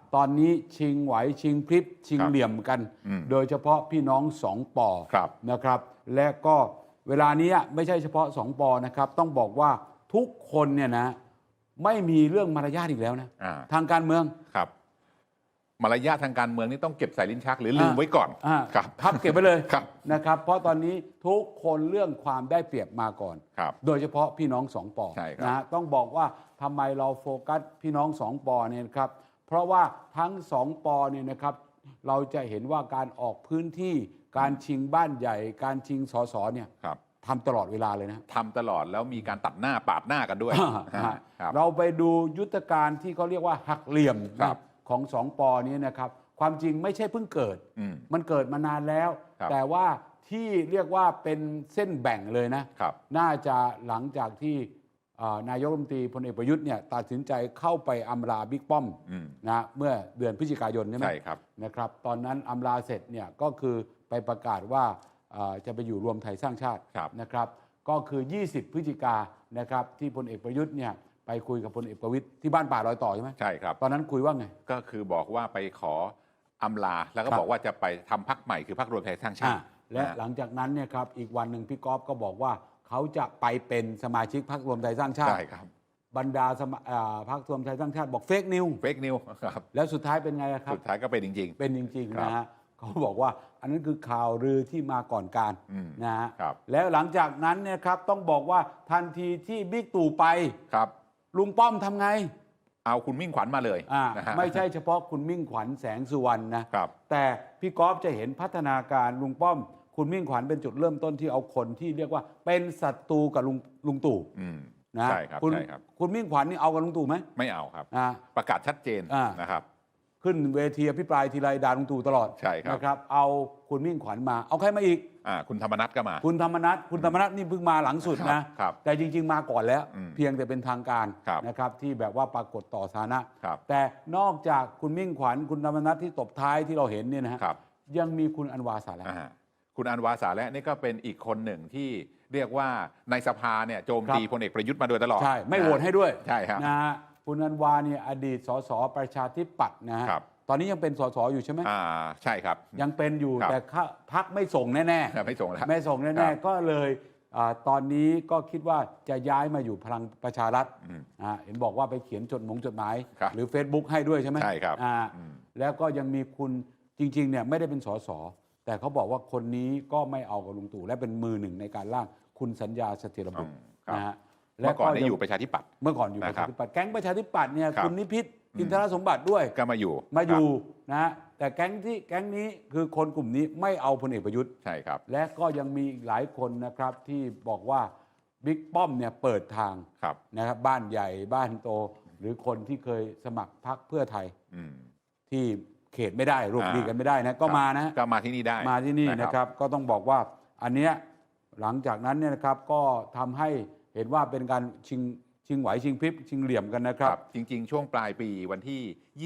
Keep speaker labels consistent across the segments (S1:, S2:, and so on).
S1: ตอนนี้ชิงไหวชิงพริบชิงเหลี่ยมกัน โดยเฉพาะพี่น้องสองปอนะครับ และก็เวลานี้ไม่ใช่เฉพาะสองปอนะครับต้องบอกว่าทุกคนเนี่ยนะไม่มีเรื่องมารยาทอีกแล้วนะทางการเมือง
S2: ครับมารยาททางการเมืองนี่ต้องเก็บใส่ลิ้นชักหรือลืมไว้ก่อน
S1: ครับพับเก็บไปเลยนะครับเพราะตอนนี้ทุกคนเรื่องความได้เปรียบมาก่อนโดยเฉพาะพี่น้องสองปอนะต้องบอกว่าทำไมเราโฟกัสพี่น้องสองปอเนี่ยครับเพราะว่าทั้งสองปอเนี่ยนะครับเราจะเห็นว่าการออกพื้นที่การชิงบ้านใหญ่การชิงสสเนี่ยทำตลอดเวลาเลยนะ
S2: ทำตลอดแล้วมีการตัดหน้าปาดหน้ากันด้วย
S1: เราไปดูยุทธการที่เขาเรียกว่าหักเหลี่ยมของสองปอนี้นะครับความจริงไม่ใช่เพิ่งเกิดมันเกิดมานานแล้วแต่ว่าที่เรียกว่าเป็นเส้นแบ่งเลยนะน่าจะหลังจากที่นายกรัฐมนตรีพลเอกประยุทธ์เนี่ยตัดสินใจเข้าไปอำลาบิ๊กป้อมนะเมื่อเดือนพฤศจิกายนใช่ไหมนะครับตอนนั้นอำลาเสร็จเนี่ยก็คือไปประกาศว่าจะไปอยู่รวมไทยสร้างชาตินะครับก็คือ20 พฤศจิกายนนะครับที่พลเอกประยุทธ์เนี่ยไปคุยกับพลเอกประวิตรที่บ้านป่ารอยต่อใช่ไหม
S2: ใช่ครับ
S1: ตอนนั้นคุยว่าไง
S2: ก็คือบอกว่าไปขออำลาแล้วก็บอกว่าจะไปทำพรรคใหม่คือพรรครวมไทยสร้างชาติ
S1: และหลังจากนั้นเนี่ยครับอีกวันหนึ่งพี่ก๊อฟก็บอกว่าเขาจะไปเป็นสมาชิกพรรครวมไทยสร้างชาติ
S2: ใช่ครับ
S1: บรรดาพรรครวมไทยสร้างชาติบอกเฟกนิว
S2: ครับ
S1: แล้วสุดท้ายเป็นไงครับ
S2: สุดท้ายก็เป็นจริง
S1: ๆเป็นจริงๆนะฮะเขาบอกว่าอันนั้นคือข่าวลือที่มาก่อนการนะฮะแล้วหลังจากนั้นเนี่ยครับต้องบอกว่าทันทีที่บิ๊กตู่ไปลุงป้อมทำไง
S2: เอาคุณมิ่งขวัญมาเลย
S1: ไม่ใช่เฉพาะคุณมิ่งขวัญแสงสุวรรณนะแต่พี่ก๊อฟจะเห็นพัฒนาการลุงป้อมคุณมิ่งขวัญเป็นจุดเริ่มต้นที่เอาคนที่เรียกว่าเป็นศัตรูกับลุงตู่นะคุณมิ่งขวัญนี่เอากับลุงตู่ไหม
S2: ไม่เอาครับประกาศชัดเจนนะครับ
S1: ขึ้นเวทีอภิปรายทีไรด่าลุงตู่ตลอดนะครับเอาคุณมิ่งขวัญมาเอาใครมาอีก
S2: คุณธรรมนัสก็มา
S1: คุณธรรมนัสนี่เพิ่งมาหลังสุดนะแต่จริงๆมาก่อนแล้วเพียงแต่เป็นทางการนะครับที่แบบว่าปรากฏต่อสาธารณะแต่นอกจากคุณมิ่งขวัญคุณธรรมนัสที่ตบท้ายที่เราเห็นเนี่ยนะฮะยังมีคุณอันวาสาระ
S2: คุณอันวาสาระนี่ก็เป็นอีกคนหนึ่งที่เรียกว่าในสภาเนี่ยโจมตีพลเอกประยุทธ์มาโดยตลอด
S1: ใช่ไม่โหวตให้ด้วย
S2: ใช่ครับ
S1: นะฮะคุณอันวาเนี่ยอดีตสสประชาธิปัตย์นะฮะตอนนี้ยังเป็นสสอยู่ใช่ไหม
S2: ใช่ครับ
S1: ยังเป็นอยู่แต่พรรคไม่ส่งแน่
S2: ๆไม่ส่งแล้ว
S1: ไม่ส่งแน่ๆก็เลยตอนนี้ก็คิดว่าจะย้ายมาอยู่พลังประชารัฐเห็นบอกว่าไปเขียนจดหมายหรือ Facebook ให้ด้วยใช่ไหม
S2: ใช่ครับ
S1: แล้วก็ยังมีคุณจริงๆเนี่ยไม่ได้เป็นสสแต่เขาบอกว่าคนนี้ก็ไม่เอากับลุงตู่และเป็นมือหนึ่งในการร่างคุณสัญญาเสถียรบุตรนะฮะ
S2: เมื่อก่อนอยู่ประชาธิปัตย์
S1: เมื่อก่อนอยู่ประชาธิปัตย์แก๊งประชาธิปัตย์เนี่ยคุณนิพิษอินทรสมบัติด้วย
S2: ก็มาอยู่
S1: นะแต่แก๊งนี้คือคนกลุ่มนี้ไม่เอาพลเอกประยุทธ์
S2: ใช่ครับ
S1: และก็ยังมีอีกหลายคนนะครับที่บอกว่าบิ๊กป้อมเนี่ยเปิดทางนะครับบ้านใหญ่บ้านโตหรือคนที่เคยสมัครพรรคเพื่อไทยที่เขตไม่ได้รวมดีกันไม่ได้นะก็มานะ
S2: ก็มาที่นี่ได้
S1: มาที่นี่นะครับก็ต้องบอกว่าอันเนี้ยหลังจากนั้นเนี่ยนะครับก็ทำให้เห็นว่าเป็นการชิงไหวชิงพริบชิงเหลี่ยมกันนะครับ
S2: จริงๆช่วงปลายปีวันที่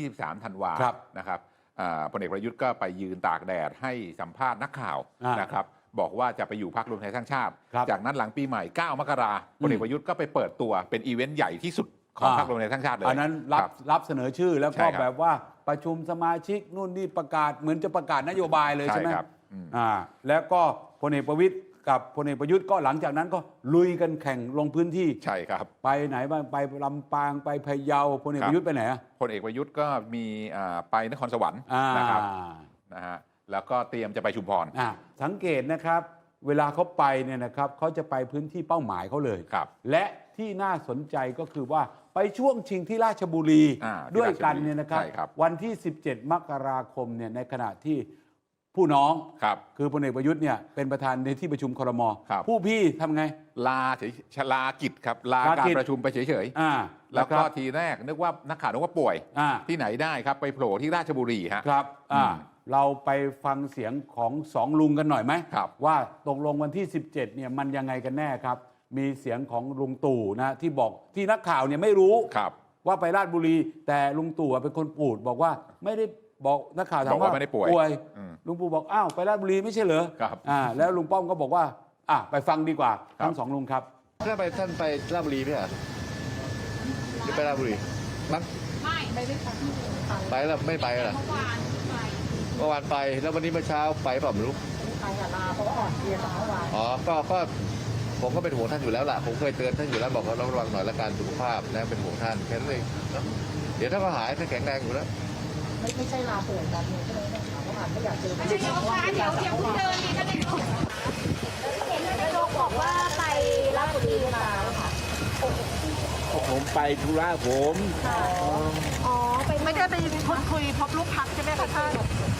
S2: 23 ธันวานะครับพลเอกประยุทธ์ก็ไปยืนตากแดดให้สัมภาษณ์นักข่าวนะครับบอกว่าจะไปอยู่พรรครวมไทยสร้างชาติจากนั้นหลังปีใหม่9 มกราคมพลเอกประยุทธ์ก็ไปเปิดตัวเป็นอีเวนต์ใหญ่ที่สุดของพรรครวมไทยสร้างชาติเลย
S1: อันนั้นรับเสนอชื่อแล้วก็แบบว่าประชุมสมาชิกนู่นนี่ประกาศเหมือนจะประกาศนโยบายเลยใช่ไหมแล้วก็พลเอกประวิตรกับพลเอกประยุทธ์ก็หลังจากนั้นก็ลุยกันแข่งลงพื้นที่
S2: ใช่ครับ
S1: ไปไหนบ้างไปลำปางไปพะเยาพลเอกประยุทธ์ไปไหน
S2: พลเอกประยุทธ์ก็มีไปนครสวรรค์นะครับนะฮะแล้วก็เตรียมจะไปชุมพร
S1: สังเกตนะครับเวลาเขาไปเนี่ยนะครับเขาจะไปพื้นที่เป้าหมายเขาเลยและที่น่าสนใจก็คือว่าไปช่วงชิงที่ราชบุรีด้วยกันเนี่ยนะครับวันที่17 มกราคมเนี่ยในขณะที่ผู้น้องคือพลเอกประยุทธ์เนี่ยเป็นประธานในที่ประชุมครม.ผู้พี่ทำไง
S2: ลากิจครับลาการประชุมไปเฉยๆแล้วก็ทีแรกนึกว่านักข่าวนึกว่าป่วยที่ไหนได้ครับไปโผล่ที่ราชบุรี
S1: ครับเราไปฟังเสียงของสองลุงกันหน่อยไหมว่าตกลงวันที่17เนี่ยมันยังไงกันแน่ครับมีเสียงของลุงตู่นะที่บอกที่นักข่าวเนี่ยไม่รู้ว่าไปราชบุรีแต่ลุงตู่เป็นคนปูดบอกว่าไม่ได้บอกนักข่าวถามว่า
S2: ไม่ได้ป่วย
S1: ลุงปู่บอกอ้าวไปราชบุรีไม่ใช่เหรอแล้วลุงป้อมก็บอกว่าไปฟังดีกว่าทั้งสองลุงครับ
S3: ท่านไปราชบุรีไหมหรือไปราชบุรีมั้ง
S4: ไม่ไปด้วยกัน
S3: ไปแล้วไม่ไปเหรอเมื่อวานไปแล้ววันนี้เมื่อเช้าไปเปล่าไม่รู้
S4: ไปกับลาเพราะว่าอ่อนเพลียจากเมื่อวาน
S3: อ๋อก็ผมก็เป็นห่วงท่านอยู่แล้วล่ะผมเคยเตือนท่านอยู่แล้วบอกว่าระวังหน่อยละกันสุขภาพนะเป็นห่วงท่านแค่นั้นเองเนอะเดี๋ยวถ้าก็หายท่านแข็งแรงอยู่แล้ว
S4: ไม่ใช่ลาป่วยการเมืองใช่ไหมเมื่อวานไม่อยากเจอ
S5: เดี๋ยวค่ะเดี๋ยวเดินดีกันเลยเห็นนายกบอกว่าไปราชบุรีมาค่ะ
S6: ผมไปธุระผม
S5: อ๋อไป
S4: ไม่ได้ไปพูดคุยพบลูกพักใช่ไหมคะท่าน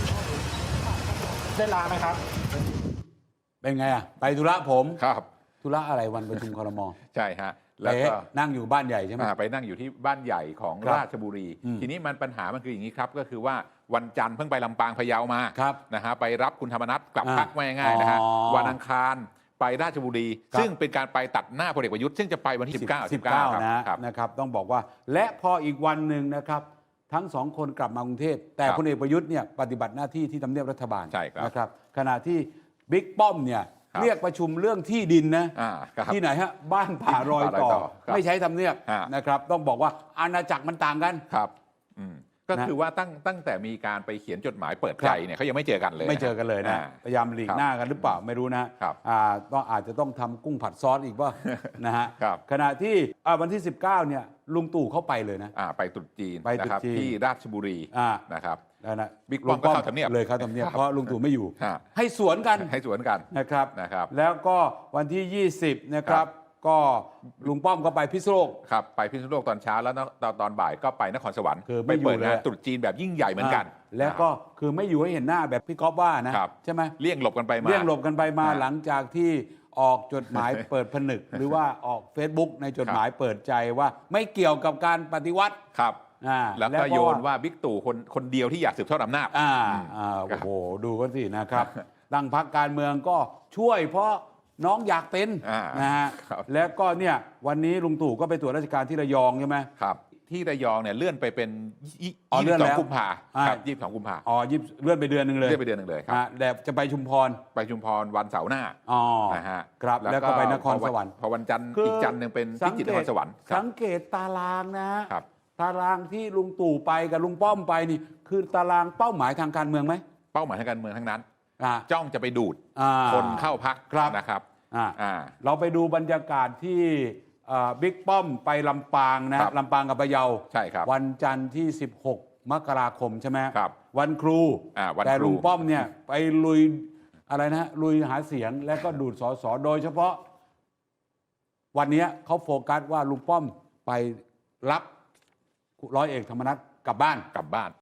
S6: ได้ลาไหมครับ
S1: เป็นไงอ่ะไปธุระผม
S2: ครับ
S1: ธุระอะไรวันประชุมครม.
S2: ใช่ฮะแล้วก็
S1: นั่งอยู่บ้านใหญ่ใช่ไหม
S2: ไปนั่งอยู่ที่บ้านใหญ่ของ
S1: ครับ
S2: ราชบุรี
S1: อืม
S2: ทีนี้ปัญหามันคืออย่างนี้ครับก็คือว่าวันจันทร์เพิ่งไปลำปางพะเยามา
S1: ครับ
S2: นะฮะไปรับคุณธรรมนัฐกลับ
S1: อ่า
S2: พักมาง่ายๆนะฮะ
S1: อ๋อ
S2: วันอังคารไปราชบุรี
S1: ครับ
S2: ซึ่งเป็นการไปตัดหน้าพลเอกประยุทธ์ซึ่งจะไปวันที่ 19
S1: นะครับ นะครับต้องบอกว่าและพออีกวันหนึ่งนะครับทั้งสองคนกลับมากรุงเทพแต่
S2: ครับ
S1: พลเอกประยุทธ์เนี่ยปฏิบัติหน้าที่ที่ทำเนียบรัฐบาล
S2: ใช่ครับ
S1: นะครับขณะที่บิ๊กป้อมเนี่ย
S2: ครับ
S1: เรียกประชุมเรื่องที่ดินนะ
S2: ครับ
S1: ที่ไหนฮะบ้านป่ารอยต่อ
S2: ครับ
S1: ไม่ใช้ทำเนียบ
S2: ฮะ
S1: นะครับต้องบอกว่าอาณาจักรมันต่างกัน
S2: ครับอืมก็
S1: นะ
S2: คือว่าตั้งแต่มีการไปเขียนจดหมายเปิดใจเนี่ยเขายังไม่เจอกันเลย
S1: ไม่เจอกันเลยนะ พยายามหลีกหน้ากันหรือเปล่าไม่รู้นะครับ ต้องอาจจะต้องทำกุ้งผัดซอสอีกว่า นะฮะ
S2: ครับ
S1: ขณะที่วันที่ 19เนี่ยลุงตู่เข้าไปเลยนะ
S2: ไปตรุษจีน
S1: ไปตรุษ
S2: นะครับ
S1: จีน
S2: ที่ราชบุรี
S1: อ่า
S2: นะครับ
S1: นะ
S2: บิ๊กป้อมก็เข้าทำเนียบ
S1: เลยเข้าทำเนียบ
S2: ครับ
S1: เพราะลุงตู่ไม่อยู่
S2: ฮะ
S1: ให้สวนกัน
S2: ให้สวนกัน
S1: นะครับ
S2: นะครับ
S1: แล้วก็วันที่ 20 นะครับ ก็ลุงป้อมก็ไปพิษณุโลก
S2: ครับไปพิษณุโลกตอนเช้าแล้วตอนบ่ายก็ไปนครสวรรค์
S1: คือไม่
S2: ไปเปิด
S1: อยู่เลย
S2: งานตรุษจีนแบบยิ่งใหญ่เหมือนกัน
S1: แล้วก็คือไม่อยู่ให้เห็นหน้าแบบพี่ก๊อฟว่านะครับ ใช่ไหม
S2: เลี่ยงหลบกันไปมา
S1: เรียกหลบกันไปมา
S2: อ่า
S1: หลังจากที่ออกจดหมาย เปิดผนึก หรือว่าออก Facebook ในจดหมายเปิดใจว่าไม่เกี่ยวกับการปฏิวัติ
S2: ครับ
S1: อ่า
S2: แล้วก็โยนว่าบิ๊กตู่คนเดียวที่อยากสืบทอดอำนาจ
S1: โอ้โหดูกันสินะครับ ตั้งพรรคการเมืองก็ช่วยเพราะน้องอยากเป็น
S2: อ่า
S1: นะฮะ
S2: ครับ
S1: แล้วก็เนี่ยวันนี้ลุงตู่ก็ไปตรวจราชการที่ระยองใช่ไหม
S2: ครับที่ระยองเนี่ยเลื่อนไปเป็น
S1: อ๋อเลื่อนแล้ว
S2: 22 กุมภา
S1: อ่า
S2: ครับ22 กุมภา
S1: อ๋อเลื่อนไปเดือนหนึ่งเลย
S2: เลื่อนไปเดือนหนึ่งเลยครับ
S1: แต่จะไปชุมพร
S2: ไปชุมพรวันเสาร์หน้า
S1: อ๋อ
S2: นะฮะ
S1: ครับแล้วก็ไปนครสวรรค์
S2: พอวันจันทร์อีกจันทร์หนึ่งเป็นพิจิตรนครสวรรค์ครับ
S1: สังเกตตารางนะฮะ
S2: ครับ
S1: ตารางที่ลุงตู่ไปกับลุงป้อมไปนี่ คือตารางเป้าหมายทางการเมืองไหม
S2: เป้าหมายทางการเมืองทั้งนั้น
S1: อ่า
S2: จ้องจะไปดูด
S1: อ่า
S2: คนเข้าพัก
S1: ครับ
S2: นะครับ
S1: อ่า
S2: อ่า
S1: เราไปดูบรรยากาศที่บิ๊กป้อมไปลำปางนะครับ ลำปางกับพะเยา
S2: ใช่ครับ
S1: วันจันทร์ที่ 16 มกราคมใช่ไหม
S2: ครับ
S1: วันครู
S2: วันครู
S1: แต่ลุงป้อมเนี่ยไปลุยอะไรนะลุยหาเสียงและก็ดูดสสโดยเฉพาะ วันนี้เขาโฟกัสว่าลุงป้อมไปรับร้อยเอกธรรมนัฐกลับบ้าน
S2: กลับบ้าน